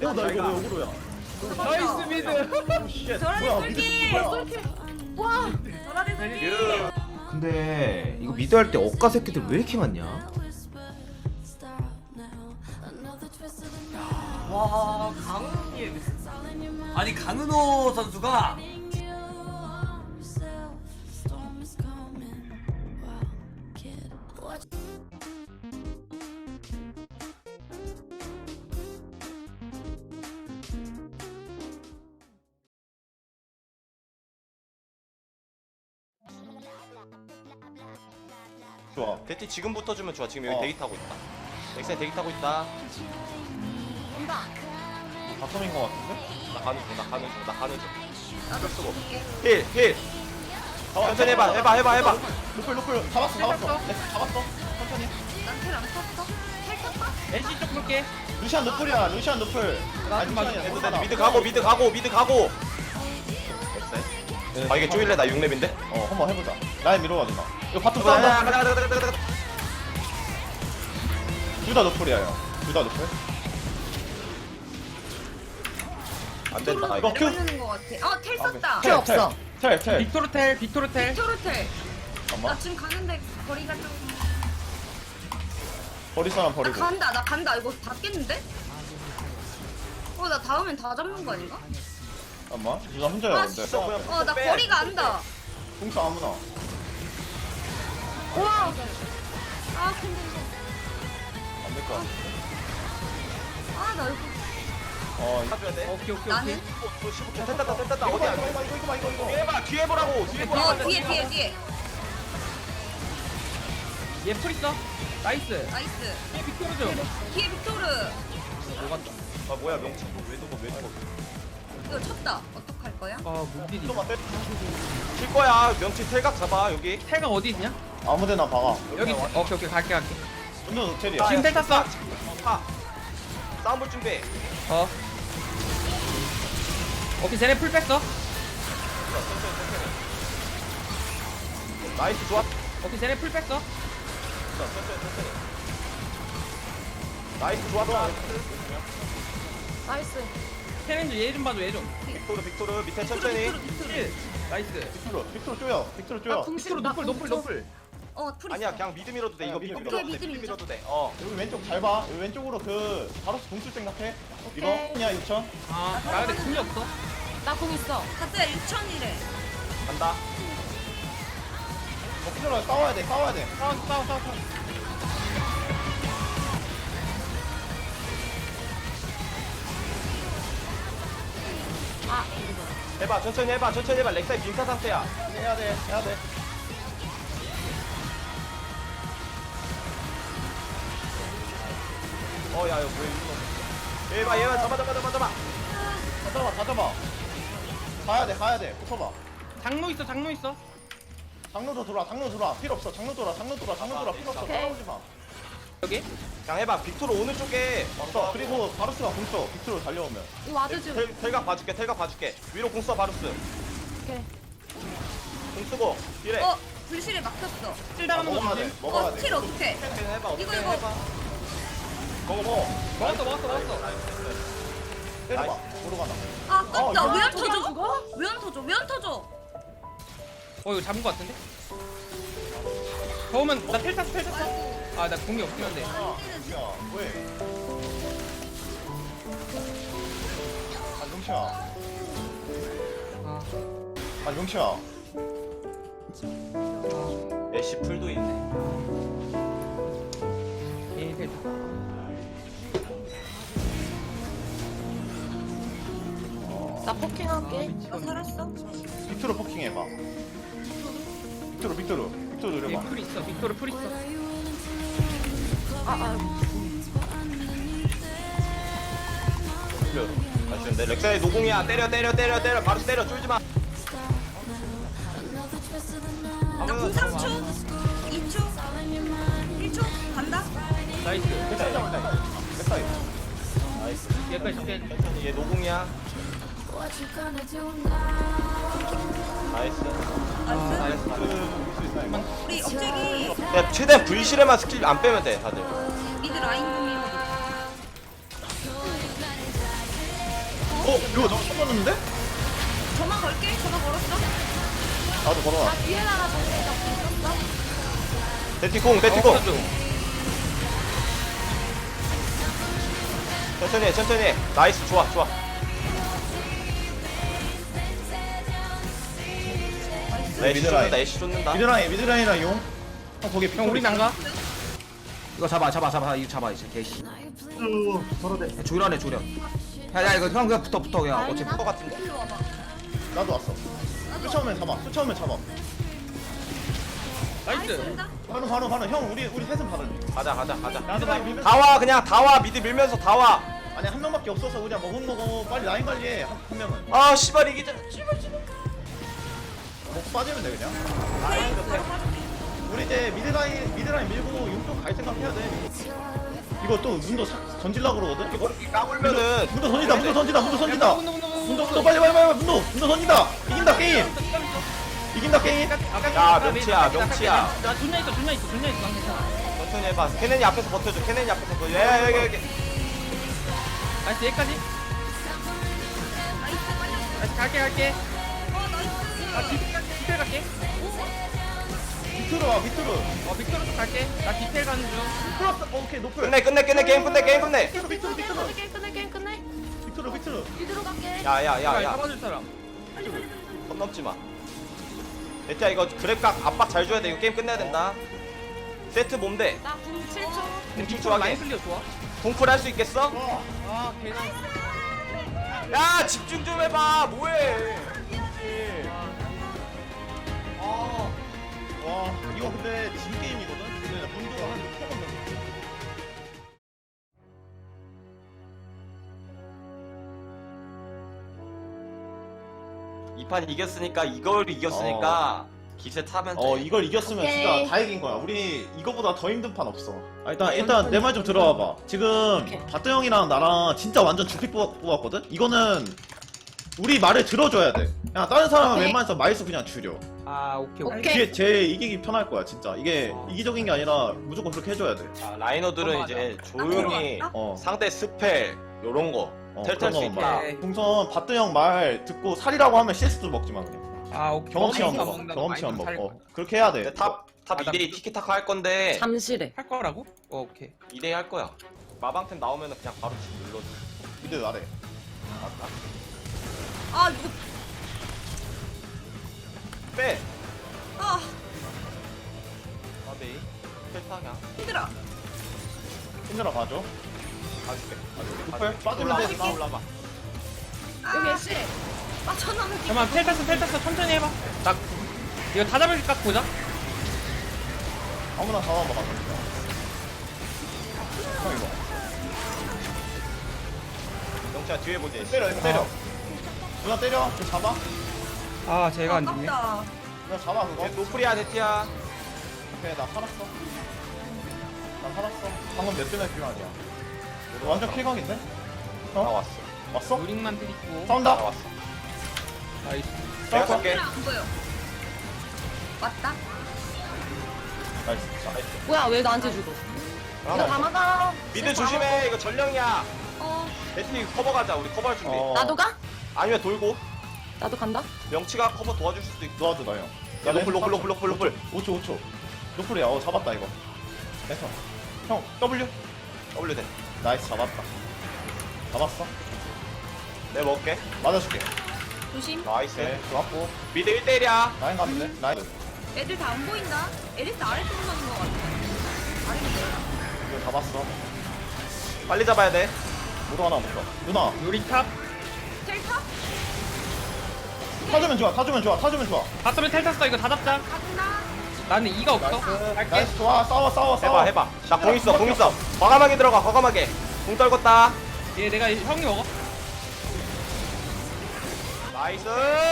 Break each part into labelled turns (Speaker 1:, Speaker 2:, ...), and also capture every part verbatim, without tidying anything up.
Speaker 1: 어, 나 이거 왜 억울로야?
Speaker 2: 나이스 미드.
Speaker 3: 저라리
Speaker 1: 뭐야,
Speaker 3: 쏠기.
Speaker 1: 뭐야?
Speaker 3: 쏠기. 와. 저라리 쏠기.
Speaker 4: 근데 이거 미드 할 때 억가 새끼들 왜 이렇게 많냐?
Speaker 5: 와 강은이 아니 강은호 선수가
Speaker 1: 좋아.
Speaker 6: 대티 지금부터 주면 좋아. 지금 여기
Speaker 1: 어.
Speaker 6: 대기 타고 있다. 엑센 대기 타고 있다.
Speaker 3: 온다.
Speaker 1: 바텀인 거 같은데?
Speaker 6: 나 가는 중, 나 가는 중, 나 가는 중.
Speaker 3: 나도
Speaker 6: 쓰고.
Speaker 3: 쏠게.
Speaker 6: 힐, 힐. 천천히 해봐, 해봐, 해봐, 해봐.
Speaker 1: 노플 노플 잡았어 잡았어. 네, 잡았어. 천천히.
Speaker 3: 난텔안 탔어? 텔 탔다?
Speaker 2: 엔시 쪽 볼게.
Speaker 1: 루시안 노플이야. 루시안 노플. 아 루시안이야.
Speaker 6: 해도 돼.
Speaker 1: 노플하다.
Speaker 6: 미드 가고, 미드 가고, 미드 가고. 엑센. 아 이게 쪼일래? 나 육 렙인데?
Speaker 1: 어 한번 해보자. 라인 밀어봐 누나. 이거 바텀
Speaker 6: 가자,
Speaker 1: 싸운다.
Speaker 6: 가자, 가자, 가자, 가자.
Speaker 1: 둘 다 노플이야 형. 둘 다 노플.
Speaker 6: 안 된다. 이거
Speaker 1: 이거 큐.
Speaker 3: 내려가는 거 같아. 어, 텔 썼다.
Speaker 1: 텔 없어. 텔 텔.
Speaker 2: 빅토르텔 빅토르텔.
Speaker 3: 토르텔. 나
Speaker 1: 잠깐만.
Speaker 3: 지금 가는데 거리가 좀.
Speaker 1: 버릴 사람
Speaker 3: 나
Speaker 1: 버리고.
Speaker 3: 간다. 나 간다. 이거 다 깼는데? 어, 나 다음엔 다 잡는 거 아닌가?
Speaker 1: 잠깐만. 누나 혼자야
Speaker 3: 아,
Speaker 1: 근데.
Speaker 3: 씨. 어, 나 거리가 안다.
Speaker 1: 공수 아무나.
Speaker 3: 와. 아, 근데 이거.
Speaker 1: 안 될 것 같아.
Speaker 3: 아, 나 이거.
Speaker 1: 어 이거.
Speaker 6: 해줘야 돼.
Speaker 2: 오케이 오케이
Speaker 3: 나는?
Speaker 2: 오케이.
Speaker 6: 십오 초 됐다, 됐다, 됐다.
Speaker 1: 이거 봐
Speaker 6: 어디야?
Speaker 1: 이거 봐 이거 이거 봐 이거 이거.
Speaker 6: 뒤에 봐, 뒤에 보라고. 뒤에 보라고.
Speaker 3: 어, 뒤에, 뒤에, 뒤에.
Speaker 2: 얘풀 있어. 나이스.
Speaker 3: 나이스.
Speaker 2: 얘 빅토르 좀.
Speaker 3: 뒤에 빅토르.
Speaker 2: 녹았다.
Speaker 6: 아 뭐야 명치? 왜 두고 왜 두고?
Speaker 3: 이거 쳤다. 어떡할 거야?
Speaker 2: 아 무딜이.
Speaker 1: 좀만 때.
Speaker 6: 칠 거야. 명치 탈각 잡아 여기.
Speaker 2: 텔가 어디 있냐?
Speaker 1: 아무데나 박아.
Speaker 2: 여기. 있어. 오케이 오케이 갈게 갈게.
Speaker 1: 운전 호텔이야.
Speaker 2: 지금 텔 탔어.
Speaker 6: 파. 싸움 볼 준비.
Speaker 2: 어. 오케이 쟤네 풀 뺐어.
Speaker 6: 나이스 좋아.
Speaker 2: 오케이 쟤네 풀 뺐어.
Speaker 6: 나이스 좋았다.
Speaker 3: 나이스.
Speaker 2: 챌린저 얘 좀 봐줘 얘 좀.
Speaker 6: 빅토르 빅토르 밑에 천천히.
Speaker 2: 힐. 나이스.
Speaker 1: 빅토르 빅토르 쪼여. 빅토르
Speaker 3: 나
Speaker 1: 쪼여.
Speaker 3: 궁수.
Speaker 2: 빅토르 노플 노플 노플.
Speaker 3: 어, 풀
Speaker 6: 아니야
Speaker 3: 있어.
Speaker 6: 그냥 미드 밀어도 돼. 이거
Speaker 1: 미드
Speaker 6: 미드
Speaker 1: 밀어.
Speaker 6: 밀어도 돼.
Speaker 3: 미드
Speaker 6: 미드
Speaker 3: 밀자.
Speaker 6: 밀어도 돼. 어.
Speaker 1: 여기 왼쪽 잘 봐. 여기 왼쪽으로 그 바로스 공수 생각해. 이거 그냥 육천.
Speaker 2: 아나 근데 궁이 없어.
Speaker 3: 나 공 있어. 가짜 육천이래.
Speaker 6: 간다.
Speaker 1: 어 필요해. 싸워야 돼. 싸워야 돼.
Speaker 2: 싸워 싸워 싸워. 싸워.
Speaker 3: 아,
Speaker 6: 해봐 천천히 해봐 천천히 해봐. 렉사이 빈타 상태야.
Speaker 1: 해야 돼. 해야 돼.
Speaker 6: 어야 이거 왜 이거? 얘봐 얘봐 잡아 잡아 잡아 잡아.
Speaker 1: 다 잡아. 다 잡아. 가야 돼. 가야 돼. 붙어봐.
Speaker 2: 장로 있어 장로 있어.
Speaker 1: 장로도 돌아. 장로 돌아. 필요 없어. 장로 돌아. 장로 돌아. 장로 돌아. 필요 없어. 따라오지 마.
Speaker 2: 여기.
Speaker 6: 그냥 해봐. 빅토르 오는 쪽에.
Speaker 1: 없어. 그리고 바로스가 공 써. 빅토르 달려오면.
Speaker 3: 이거 와드 좀.
Speaker 6: 텔, 텔각 봐줄게 텔각 봐줄게. 위로 공 써 바루스.
Speaker 3: 오케이.
Speaker 6: 공 쓰고 이래.
Speaker 3: 어, 불실에 막혔어.
Speaker 2: 힐
Speaker 1: 아,
Speaker 2: 달아놓은 거
Speaker 1: 먹어야 돼.
Speaker 2: 조심.
Speaker 1: 먹어야
Speaker 3: 어,
Speaker 1: 돼.
Speaker 3: 스틸 어떡해?
Speaker 6: 해봐 어떻게
Speaker 3: 이거, 이거.
Speaker 6: 해봐. 먹어 먹어.
Speaker 2: 먹었어 먹었어 먹었어.
Speaker 1: 때려봐. 모로 가나.
Speaker 3: 아, 깜짝.
Speaker 1: 어,
Speaker 3: 왜 안
Speaker 1: 이거
Speaker 3: 터져? 왜 안 터져? 왜 안 터져?
Speaker 2: 어 이거 잡은 거 같은데? 더우면 나 텔 탔어 텔 탔어.
Speaker 3: 아이고.
Speaker 2: 아 나 공이 없긴 한데.
Speaker 1: 야, 왜? 아, 용치야.
Speaker 2: 아.
Speaker 1: 아, 용치야.
Speaker 6: 애쉬 풀도 있네.
Speaker 2: 예 텔.
Speaker 3: 나 포킹할게. 너 살았어?
Speaker 1: 빅토르 포킹 해봐. 빅토르, 빅토르. 빅토르 노려봐.
Speaker 2: 얘풀 있어 빅토르 풀 있어.
Speaker 3: 아, 아.
Speaker 6: 그래. 아쉬운데 렉사이 노공이야. 때려 때려 때려 때려 바로 때려 쫄지 마.
Speaker 3: 나공 삼 초, 이 초, 일 초 간다.
Speaker 2: 나이스.
Speaker 1: 백사이 잡을다, 이거. 백사이.
Speaker 6: 나이스.
Speaker 2: 얘까지 잡게.
Speaker 6: 천천히 얘 노공이야. 나이스.
Speaker 3: 나이스.
Speaker 6: 나이스.
Speaker 1: 그, 볼수 있나, 이거?
Speaker 3: 우리 억제기
Speaker 6: 야 최대한 V실에만 스킬 안 빼면 돼 다들.
Speaker 3: 미드 라인 공이거든.
Speaker 1: 어? 이거 너 처음 봤는데?
Speaker 3: 전화 걸게. 전화 걸었어.
Speaker 1: 나도 걸어와.
Speaker 7: 나 뒤에 나가 정리가 있었어?
Speaker 6: 대티콩 대티콩.
Speaker 2: 없어져.
Speaker 6: 천천히 해 천천히 해. 나이스 좋아 좋아. 나 애쉬
Speaker 1: 미드라인.
Speaker 6: 쫓는다 애쉬 쫓는다.
Speaker 1: 미드라인 미드라인이랑 용. 어 거기
Speaker 2: 형 우리 난가?
Speaker 4: 이거 잡아 잡아 잡아 이거 잡아 이제 개씨. 조련해 조련. 야야 이거 형 그냥 붙어 붙어 그냥 어차피
Speaker 6: 것 같은데.
Speaker 3: 일로 와봐.
Speaker 1: 나도 왔어. 수처음에 잡아. 수처음에 잡아.
Speaker 3: 나이스.
Speaker 2: 나이스.
Speaker 3: 된다.
Speaker 1: 바로 바로 바로 형 우리 우리 셋은 받을래.
Speaker 6: 가자 가자 가자.
Speaker 1: 미드라인 밀면서.
Speaker 6: 다 와 그냥 다 와 미드 밀면서 다 와.
Speaker 1: 아니 한 명밖에 없어서 그냥 먹은 거고 빨리 라인 관리해 한, 한 명은.
Speaker 6: 아 씨발 이기자.
Speaker 1: 먹 빠지면 돼 그냥. 우리 이제 미드라인 미드라인 밀고 용쪽 갈 생각 해야 돼. 이거 또 문도 사- 던질라 그러거든. 이거
Speaker 6: 까불면은
Speaker 1: 문도 던진다 문도 던진다 문도 던진다.
Speaker 2: 문도, 문도, 문도,
Speaker 1: 문도 문도 빨리 빨리 빨리 문도 문도 던진다. 이긴다 게임. 이긴다 게임.
Speaker 6: 야, 명치야, 명치야.
Speaker 2: 나 존나 있어 존나 있어 존나 있어 난 괜찮아.
Speaker 6: 천천히 해봐. 케넨이 앞에서 버텨줘. 케넨이 앞에서 버텨줘. 야 여기 여기.
Speaker 2: 나이스 여기까지. 나이스 갈게 갈게.
Speaker 3: 어 나이스.
Speaker 2: 아 디테일 갈게 디테일 갈게.
Speaker 1: 밑으로 와 밑으로.
Speaker 2: 어 빅토르 쪽 갈게. 나 디테일 가는 중.
Speaker 1: 플러스 어, 오케이 노플.
Speaker 6: 끝내 끝내 끝내 게임 끝내 게임 끝내.
Speaker 1: 밑으로 밑으로 밑으로
Speaker 7: 끝내 끝내 게임 끝내.
Speaker 1: 밑으로 밑으로.
Speaker 7: 뒤로 갈게.
Speaker 6: 야야야야.
Speaker 2: 잡아줄 사람.
Speaker 6: 선 넘지 마. 대티야 이거 그랩각 압박 잘 줘야 돼. 이거 게임 끝내야 된다. 세트 몸대.
Speaker 7: 나궁 칠 초.
Speaker 6: 빅
Speaker 2: 빅토르 라인
Speaker 6: 좋아하게.
Speaker 2: 클리어 좋아.
Speaker 6: 동풀 할 수 있겠어?
Speaker 2: 아 개나.
Speaker 6: 야 집중 좀 해봐. 뭐해? 아.
Speaker 1: 와 이거 근데 진 게임이거든. 근데 문도가 한세번 던졌어.
Speaker 6: 이 판 이겼으니까 이걸 이겼으니까 기세 타면 돼.
Speaker 1: 어 이걸 이겼으면
Speaker 7: 오케이.
Speaker 1: 진짜 다 이긴 거야. 우리 이거보다 더 힘든 판 없어. 아, 일단 일단 내 말 좀 들어와봐. 지금
Speaker 7: 오케이.
Speaker 1: 바트 형이랑 나랑 진짜 완전 주픽 뽑- 뽑았거든. 이거는 우리 말을 들어줘야 돼. 그냥 다른 사람은
Speaker 7: 오케이.
Speaker 1: 웬만해서 마이스 그냥 줄여.
Speaker 2: 아 오케이 오케이.
Speaker 7: 오케이.
Speaker 1: 이게 제일 이기기 편할 거야 진짜. 이게 이기적인 게 아니라 무조건 그렇게 해줘야 돼.
Speaker 6: 자, 라이너들은
Speaker 2: 어,
Speaker 6: 이제 조용히
Speaker 3: 아,
Speaker 1: 어.
Speaker 6: 상대 스펠 요런 거
Speaker 1: 어,
Speaker 6: 텔탈
Speaker 1: 그런
Speaker 6: 수
Speaker 1: 거만
Speaker 6: 있다.
Speaker 1: 봐.
Speaker 2: 오케이.
Speaker 1: 동선 바트 형 말 듣고 살이라고 하면 씨에스도 먹지 마 그냥.
Speaker 2: 아 오케이.
Speaker 1: 경험치만
Speaker 2: 먹는다,
Speaker 1: 먹어.
Speaker 2: 먹는다.
Speaker 1: 경험치만
Speaker 2: 많이 좀
Speaker 1: 먹어.
Speaker 2: 살 거야.
Speaker 1: 그렇게 해야 돼.
Speaker 6: 근데 탑, 탑
Speaker 2: 아, 나-
Speaker 6: 이 대이 티키타카 할 건데
Speaker 7: 잠시래.
Speaker 2: 할 거라고? 어 오케이.
Speaker 6: 이 대이 할 거야. 마방템 나오면은 그냥 바로 집 눌러줘.
Speaker 1: 미드 아래.
Speaker 3: 아 이거
Speaker 6: 빼!
Speaker 3: 아
Speaker 6: 아베이 펠타 그냥
Speaker 3: 힘들어.
Speaker 1: 힘들어 가죠.
Speaker 6: 가줄게
Speaker 1: 노플 빠지면 돼.
Speaker 6: 올라봐 올라봐.
Speaker 7: 여기 애쉬.
Speaker 3: 빠져나오는 게.
Speaker 2: 잠깐만 텔 탔어 텔 탔어 천천히 해봐. 나 이거 다 잡을 각 보자.
Speaker 1: 아무나 잡아봐 가자. 형 이거.
Speaker 6: 영차 뒤에 보지.
Speaker 1: 때려 이거 때려. 누나 때려. 저 잡아.
Speaker 2: 아 제가 안 죽네.
Speaker 3: 아깝다.
Speaker 1: 누나 잡아 그거.
Speaker 6: 얘 노플이야 데티야.
Speaker 1: 오케이 나 살았어. 나 살았어. 방금 몇 대나 필요하냐? 완전 킬각인데?
Speaker 6: 나
Speaker 1: 어?
Speaker 6: 왔어.
Speaker 1: 왔어?
Speaker 2: 요링만 때리고.
Speaker 6: 나
Speaker 1: 싸운다.
Speaker 6: 왔어.
Speaker 2: 나이스.
Speaker 6: 내가
Speaker 1: 싸웠어?
Speaker 6: 쏠게.
Speaker 3: 안 보여. 맞다.
Speaker 1: 나이스.
Speaker 6: 나이스.
Speaker 7: 뭐야 왜 나한테 주고? 이거 다 막아.
Speaker 6: 미드 조심해. 이거 전령이야.
Speaker 7: 어.
Speaker 6: 데티 커버 가자. 우리 커버할 준비.
Speaker 1: 어.
Speaker 7: 나도 가?
Speaker 6: 아니면 돌고
Speaker 7: 나도 간다.
Speaker 6: 명치가 커버 도와줄 수도 있고.
Speaker 1: 도와줘 나 형.
Speaker 6: 야 노플 노플 노플 노플 노플.
Speaker 1: 오 초 오 초. 노플이야. 어 잡았다 이거. 됐어. 형 W.
Speaker 6: W 돼.
Speaker 1: 나이스 잡았다. 잡았어.
Speaker 6: 내가 먹을게.
Speaker 1: 맞아줄게.
Speaker 3: 조심.
Speaker 6: 나이스.
Speaker 1: 네 좋았고.
Speaker 6: 미드 일 대 일이야.
Speaker 1: 라인 가는데? 라인.
Speaker 3: 애들 다 안 보인다. 에리스 아래쪽으로 가는 것 같아. 아닌데.
Speaker 1: 이거 잡았어.
Speaker 6: 빨리 잡아야 돼.
Speaker 1: 모두 하나 묶어. 누나
Speaker 2: 요리 탑.
Speaker 3: 텔타?
Speaker 1: 타주면 좋아. 타주면 좋아. 타주면 좋아.
Speaker 2: 바텀에 텔 탔어 이거 다 잡자.
Speaker 3: 간다.
Speaker 2: 나는 이가 없어.
Speaker 1: 나이스.
Speaker 2: 갈게.
Speaker 1: 나이스 좋아. 싸워 싸워 싸워.
Speaker 6: 해봐 해봐. 나 공 있어 공 있어. 과감하게 들어가 과감하게. 공 떨궜다.
Speaker 2: 얘 내가 형이 먹어.
Speaker 6: 나이스.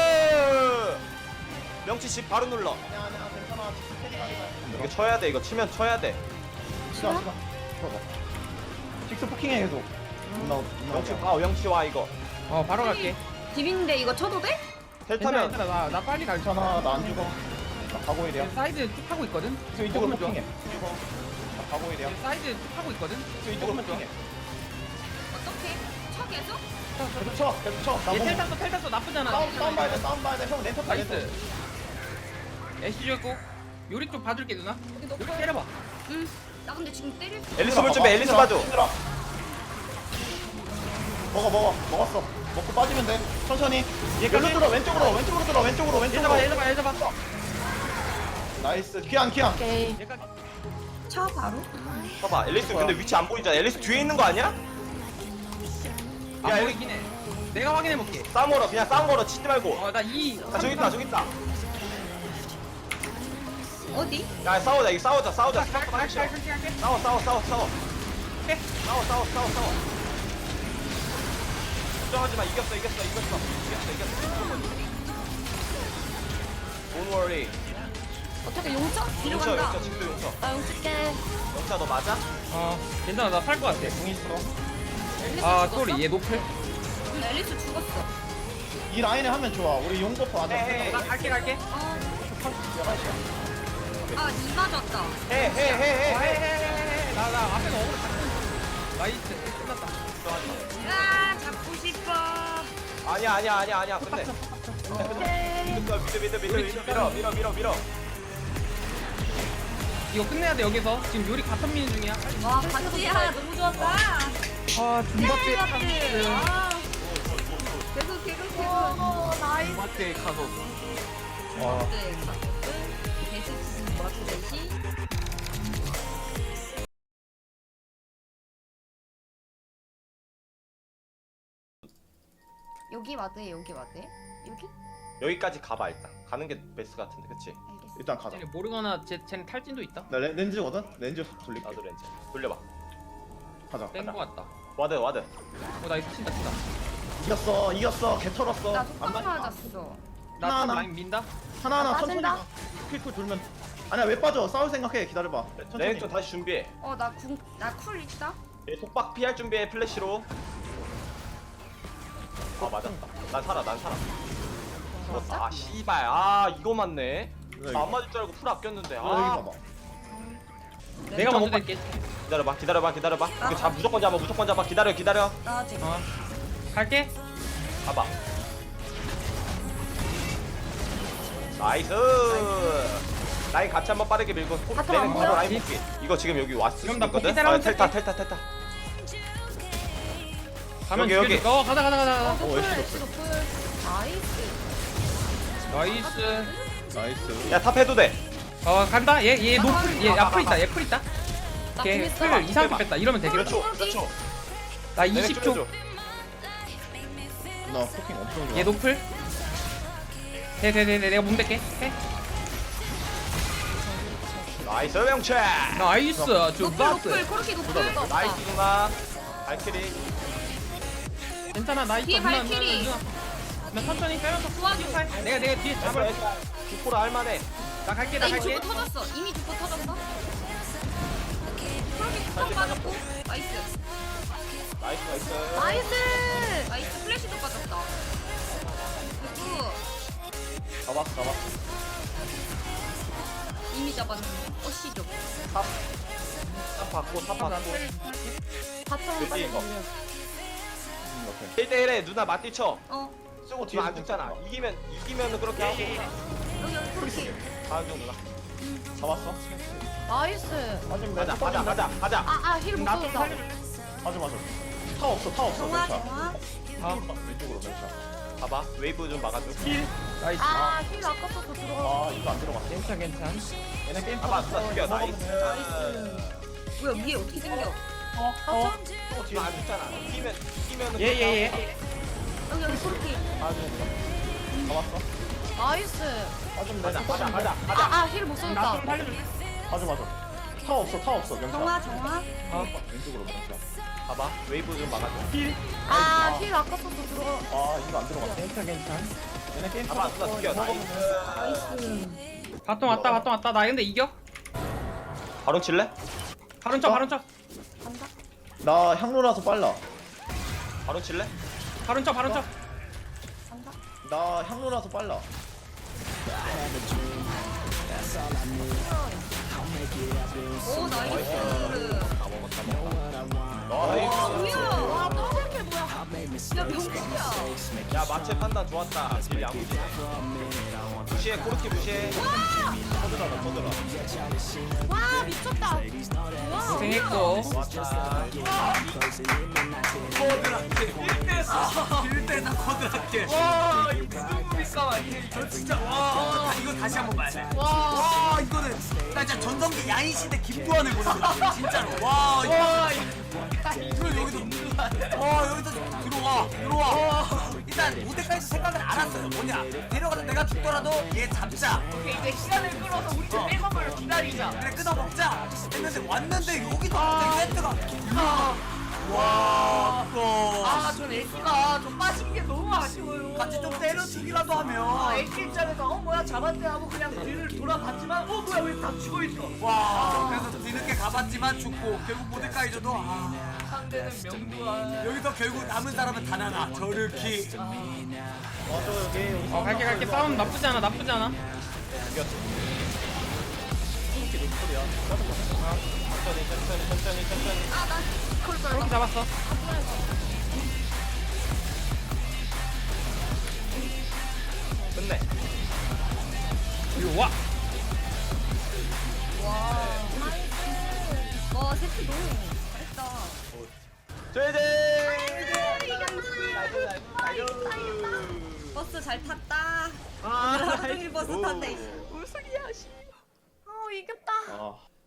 Speaker 6: 명치 집 바로 눌러.
Speaker 1: 아니야 아니야 괜찮아. 캐리 아니다.
Speaker 6: 이거 쳐야 돼. 이거 치면 쳐야 돼.
Speaker 1: 시간 시간. 들어가. 식스 포킹해 계속. 누나 누나.
Speaker 6: 명치 와 명치 와 이거.
Speaker 2: 어 바로 갈게.
Speaker 3: 비빈데 이거 쳐도 돼?
Speaker 6: 텔
Speaker 2: 괜찮아
Speaker 6: 타면
Speaker 2: 괜찮아 나, 나 빨리 갈 수.
Speaker 1: 괜찮아 나 안 죽어. 나 가고 일이야.
Speaker 2: 얘 사이드 쭉 하고 있거든.
Speaker 1: 저 이쪽으로
Speaker 2: 먹으면 좋아.
Speaker 1: 포킹해. 죽어. 나 가고 일이야.
Speaker 2: 얘 사이드 쭉 하고 있거든.
Speaker 1: 저 이쪽으로
Speaker 2: 먹으면 좋아.
Speaker 1: 포킹해.
Speaker 3: 어떻게? 쳐 계속?
Speaker 1: 계속 쳐 계속 쳐나
Speaker 2: 얘
Speaker 1: 뭐-
Speaker 2: 텔 탔어 텔 tas어 나쁘잖아.
Speaker 1: 싸움 싸움 봐야 돼 싸움 봐야 돼형 렌터 타 렌터
Speaker 2: 나이스. 애쉬 줬고 요리 좀 봐줄게 누나. 요리 때려봐.
Speaker 3: 나 근데 지금 때릴 수
Speaker 6: 앨리스 볼 준비. 앨리스 봐줘.
Speaker 1: 먹어 먹어 먹었어 먹고 빠지면 돼 천천히 얘 글로 들어 왼쪽으로 왼쪽으로 들어 왼쪽으로
Speaker 2: 얘
Speaker 1: 왼쪽으로
Speaker 2: 잡아 얘 잡아 얘 잡아.
Speaker 1: 나이스 기안 기안
Speaker 7: 오케이.
Speaker 2: 얘까지.
Speaker 3: 쳐 바로.
Speaker 6: 봐봐. 앨리스 근데 위치 안 보이잖아. 앨리스 뒤에 있는 거 아니야?
Speaker 2: 안
Speaker 6: 야,
Speaker 2: 보이긴 해. 내가 확인해 볼게.
Speaker 6: 싸움 걸어. 그냥 싸움 걸어. 치지 말고.
Speaker 2: 어나 이.
Speaker 6: 아 저기 있다. 저기 있다.
Speaker 3: 어디?
Speaker 6: 야 싸우자. 이거 싸우자. 싸우자.
Speaker 2: 갈게 갈게 갈게 갈게.
Speaker 6: 싸워 싸워 싸워 싸워.
Speaker 2: 오케이.
Speaker 6: 싸워 싸워 싸워 싸워. 걱정하지 마. 이겼어 이겼어 이겼어. 이겼어 이겼어. Don't worry.
Speaker 7: 어떻게 용쳐?
Speaker 3: 뒤로
Speaker 6: 용쳐
Speaker 3: 간다.
Speaker 6: 용쳐 지금도 용쳐.
Speaker 7: 나 용칠게.
Speaker 6: 용쳐 너 맞아?
Speaker 2: 어 괜찮아 나 살 것 같아.
Speaker 1: 공 있어
Speaker 2: 아 쏘리 얘 노플.
Speaker 3: 앨리스 죽었어.
Speaker 1: 이 라인에 하면 좋아 우리 용 버프 안
Speaker 6: 헤헤.
Speaker 1: 해.
Speaker 2: 나 갈게 갈게.
Speaker 3: 아, 이 맞았다.
Speaker 6: 헤헤헤헤.
Speaker 2: 나나 앞에서 어그로 잡고. 나이스 끝났다.
Speaker 3: 아, 잡고 싶어.
Speaker 6: 아니야 아니야 아니야 아니야 끝내. 믿어 믿어 믿어 믿어 믿어 밀어 밀어 밀어 밀어.
Speaker 2: 이거 끝내야 돼 여기서. 지금 요리 같은 미는 중이야.
Speaker 3: 와, 같이야. 너무 좋았다.
Speaker 2: 아 중박대
Speaker 3: 아, 계속, 계속, 계속.
Speaker 2: 중박대 가서.
Speaker 1: 와
Speaker 3: 네, 계속 멋지지.
Speaker 7: 여기 와드에 여기 와드에 여기?
Speaker 6: 여기까지 가봐 일단. 가는 게 베스트 같은데 그치?
Speaker 7: 알겠어.
Speaker 1: 일단 가자
Speaker 2: 쟤네 모르거나 쟤 쟤는 탈진도 있다.
Speaker 1: 나 렌- 렌즈거든? 렌즈 돌릴게
Speaker 6: 나도 렌즈 돌려봐.
Speaker 1: 가자
Speaker 2: 뺀 거 같다.
Speaker 6: 와드 와드.
Speaker 2: 어 나이스 친다 친다.
Speaker 1: 이겼어 이겼어 개 털었어
Speaker 7: 나
Speaker 1: 안
Speaker 7: 속박
Speaker 1: 맞-
Speaker 7: 맞았어.
Speaker 2: 나
Speaker 1: 하나,
Speaker 2: 탑
Speaker 1: 하나.
Speaker 2: 라인 민다.
Speaker 1: 하나하나
Speaker 7: 아,
Speaker 1: 천천히
Speaker 7: 빠진다?
Speaker 1: 퀵쿨 돌면 아니야 왜 빠져 싸울 생각해 기다려봐 천천히
Speaker 6: 레인 좀 다시 준비해.
Speaker 7: 어 나 궁 나 쿨 있다.
Speaker 6: 얘 속박 피할 준비해 플래시로. 아 맞았다. 난 살아 난 살아. 살았다. 아 씨발. 아 이거 맞네. 나 안 맞을 줄 알고 풀 아꼈는데.
Speaker 1: 아 여기
Speaker 6: 아
Speaker 1: 봐봐
Speaker 2: 내가
Speaker 6: 못
Speaker 2: 먼저
Speaker 6: 봐.
Speaker 2: 될게.
Speaker 6: 기다려봐 기다려봐 기다려봐. 이거 잡 무조건 잡아 무조건 잡아. 기다려 기다려.
Speaker 3: 나 지금.
Speaker 2: 어 갈게.
Speaker 6: 가봐. 나이스. 라인 같이 한번 빠르게 밀고
Speaker 7: 바텀
Speaker 6: 레인
Speaker 7: 안
Speaker 6: 바로
Speaker 7: 보여?
Speaker 6: 라인 볼게. 이거 지금 여기 왔을 수
Speaker 2: 그럼 나
Speaker 6: 있거든.
Speaker 2: 복귀 따라오면
Speaker 6: 아, 텔타
Speaker 2: 될게.
Speaker 6: 텔타 텔타.
Speaker 2: 가면
Speaker 6: 여기,
Speaker 2: 죽여줄까? 어 가자 가자 가자. 가자.
Speaker 1: 오, 애쉬
Speaker 7: 애쉬 노플. 나이스.
Speaker 2: 나이스.
Speaker 1: 나이스
Speaker 6: 야 탑 해도 돼.
Speaker 2: 어 간다. 얘 얘 노플 얘 앞플 있다. 얘 풀 있다.
Speaker 7: 나
Speaker 2: 걔
Speaker 7: 궁 있어.
Speaker 2: 풀 이상하게 뺐다. 이러면
Speaker 6: 몇
Speaker 2: 되겠다.
Speaker 6: 초? 몇 초?
Speaker 2: 나
Speaker 6: 내내
Speaker 2: 이십
Speaker 6: 좀
Speaker 2: 초.
Speaker 6: 해줘.
Speaker 1: 나 포킹 엄청 좋아
Speaker 2: 얘 노플. 네네네 내가 몸댈게. 해.
Speaker 6: 나이스 명채.
Speaker 2: 나이스.
Speaker 3: 노플,
Speaker 2: 주박스.
Speaker 3: 노플, 코르키 노플.
Speaker 6: 나이스 누나. 발키리.
Speaker 2: 괜찮아 나
Speaker 3: 뒤에
Speaker 2: 있어. 누나,
Speaker 3: 발키리.
Speaker 2: 누나, 누나. 나 천천히 빼면서
Speaker 3: 도와줘.
Speaker 2: 내가 내가 뒤에 잡아.
Speaker 6: 주포라 할만해.
Speaker 2: 나 갈게
Speaker 3: 나
Speaker 2: 나
Speaker 3: 이미
Speaker 2: 갈게.
Speaker 3: 주포 터졌어. 이미 주포 터졌어. 코르키 툭 빠졌고. 나이스.
Speaker 6: 나이스 나이스.
Speaker 7: 나이스.
Speaker 3: 나이스. 플래시도 빠졌다. 그리고
Speaker 1: 잡았어 잡았어
Speaker 3: 이미 잡았는데. 어시죠.
Speaker 6: 탑 받고 탑 받고.
Speaker 7: 바텀
Speaker 6: 그치,
Speaker 7: 빨리
Speaker 6: 이거.
Speaker 7: 밀려.
Speaker 1: 음, 오케이
Speaker 6: 일 대 일에 누나 맞디쳐.
Speaker 3: 어.
Speaker 1: 쓰고
Speaker 6: 지금 안
Speaker 1: 뒤에서
Speaker 6: 죽잖아. 이기면 이기면은 그렇게 하고.
Speaker 3: 여기, 여기 코르키.
Speaker 6: 다음 중 누나.
Speaker 1: 잡았어
Speaker 7: 나이스.
Speaker 1: 빠지면 돼
Speaker 6: 가자 가자 가자 가자.
Speaker 7: 아아힐 못
Speaker 2: 나좀
Speaker 7: 쏘겠다.
Speaker 2: 살려.
Speaker 1: 맞아 맞아 타 없어 타 없어
Speaker 3: 정화,
Speaker 1: 멘차
Speaker 3: 정화.
Speaker 2: 아
Speaker 1: 왼쪽으로 멘차
Speaker 6: 봐봐 웨이브 좀 막아줘.
Speaker 2: 나이스.
Speaker 7: 아힐 아까 썼어 들어가.
Speaker 1: 아 이거 안 들어갔어
Speaker 2: 괜찮 괜찮.
Speaker 1: 얘네 게임
Speaker 6: 봐봐 누나 죽여. 나이스.
Speaker 3: 뭐야, 위에 어떻게 생겨?
Speaker 7: 어?
Speaker 6: 또 뒤에 안 죽잖아. 이기면 이기면은.
Speaker 2: 예예 예.
Speaker 3: 여기, 여기 코르키.
Speaker 1: 잡았어
Speaker 7: 나이스.
Speaker 1: 빠지면
Speaker 6: 가자
Speaker 1: 돼
Speaker 6: 가자 가자 가자.
Speaker 7: 아아힐 못 쏘겠다.
Speaker 2: 나좀 살려줘.
Speaker 1: 맞아 맞아 타 없어 타 없어 명차
Speaker 3: 정화, 정화.
Speaker 2: 아
Speaker 1: 왼쪽으로 명차
Speaker 6: 봐봐 웨이브 좀 막아줘.
Speaker 7: 아힐 아까 썼어 들어가.
Speaker 1: 아 이거 안 들어갔어
Speaker 2: 괜찮 괜찮.
Speaker 1: 얘네 게임
Speaker 6: 봐봐 누나 죽여. 나이스.
Speaker 2: 바텀 왔다 바텀 왔다. 나 근데 이겨.
Speaker 6: 바로 칠래?
Speaker 2: 바론 쳐 바론 쳐.
Speaker 7: 간다.
Speaker 1: 나 향로라서 빨라
Speaker 6: 바로 칠래?
Speaker 2: 바론 쳐 바론 쳐.
Speaker 7: 간다.
Speaker 1: 나 향로라서 빨라
Speaker 3: 오, 나이스.
Speaker 6: 다 먹었다 먹었다. 나이스.
Speaker 3: 뭐야?
Speaker 7: 와 더블킬 뭐야?
Speaker 3: 진짜 명품이야.
Speaker 6: 야 마체 판단 좋았다. 딜 야무지네. 무시해 코르키 무시해.
Speaker 1: 터들어라 터들어.
Speaker 7: 와 미쳤다. 와.
Speaker 2: 고생했고.
Speaker 6: 좋았다.
Speaker 5: 코드라케 일 대사 일 대사 코드라케. 와 이거 무슨 뭡니까? 저 진짜 와 이거 다시 한번 봐야 돼. 와 이거는 나 진짜 전성기 야인 시대 김두한을 보는 거야 진짜로. 와 이거 여기서 와 여기서 들어와 들어와. 일단 무대까지 생각을 알았어요. 뭐냐 데려가서 내가 죽더라도 얘 잡자.
Speaker 3: 오케이, 이제 시간을 끌어서 우리 집 백업을 기다리자.
Speaker 5: 그래 끊어 먹자 했는데 왔는데 여기서 갑자기 세트가 와 또.
Speaker 3: 아, 전 애기가 좀 빠진 게 너무 아쉬워요.
Speaker 5: 같이 좀 때려주기라도
Speaker 3: 아,
Speaker 5: 하면
Speaker 3: 애기 입장에서 어 뭐야 잡았네 하고 그냥 뒤를 돌아봤지만 어 뭐야 왜 다 죽어 있어.
Speaker 5: 와 그래서 뒤늦게 가봤지만 죽고 결국 모데카이저도 아
Speaker 3: 상대는 명두한.
Speaker 5: 여기서 결국 남은 사람은 단 하나 저르키.
Speaker 1: 와저 여기.
Speaker 2: 어 갈게 갈게. 싸움 나쁘지 않아 나쁘지 않아.
Speaker 1: 이겼어. 이렇게 노플이야.
Speaker 6: 천천히 천천히 천천히 천천히.
Speaker 7: 아나 그걸 걸.
Speaker 2: 그렇게 잡았어.
Speaker 6: 끝내.
Speaker 2: 이리 와.
Speaker 7: 와 세트 너무 잘했다.
Speaker 6: 제제.
Speaker 3: 버스 잘 탔다.
Speaker 7: 아
Speaker 3: 하루 종일 버스 탔네.
Speaker 7: 우승이야 씨. 어 이겼다.
Speaker 1: 아